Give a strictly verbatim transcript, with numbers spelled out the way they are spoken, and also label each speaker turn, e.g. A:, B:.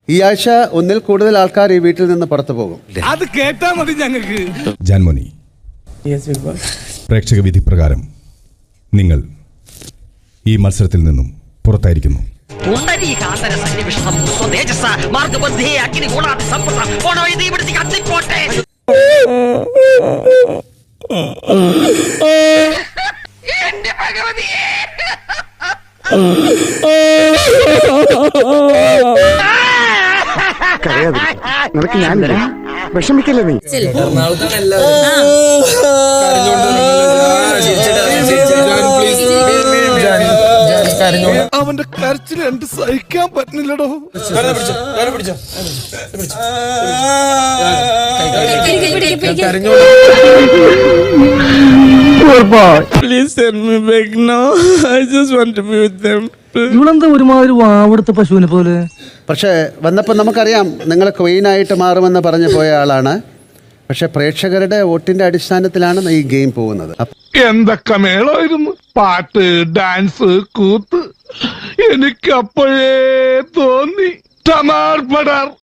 A: ഈ ആഴ്ച ഒന്നിൽ കൂടുതൽ ആൾക്കാർ ഈ വീട്ടിൽ നിന്ന് പുറത്തു പോകും.
B: അത് കേട്ടാ മതി ഞങ്ങൾക്ക്.
C: ജാൻമോനി, പ്രേക്ഷക വിധി പ്രകാരം നിങ്ങൾ ഈ മത്സരത്തിൽ നിന്നും പുറത്തായിരിക്കുന്നു.
D: നിനക്ക് ഞാനില്ല, വിഷമിക്കല്ലേ നീ.
B: അവന്റെ കരച്ചിൽ രണ്ട് സഹിക്കാൻ പറ്റുന്നില്ലടോ.
E: Please send me back now. I just want to be with them.
F: ഇവളെന്താ ഒരുമാതിരി വാവെടുത്ത പശുവിനെ പോലെ?
A: പക്ഷേ വന്നപ്പോൾ നമുക്കറിയാം നിങ്ങൾ ക്വീനായിട്ട് മാറുമെന്ന് പറഞ്ഞു പോയ ആളാണ്. പക്ഷെ പ്രേക്ഷകരുടെ വോട്ടിന്റെ അടിസ്ഥാനത്തിലാണ് ഈ ഗെയിം പോകുന്നത്.
B: എന്തൊക്കെ മേളായിരുന്നു, പാട്ട്, ഡാൻസ്, കൂത്ത്. എനിക്ക് അപ്പോഴേ തോന്നി ടമാർ പടാർ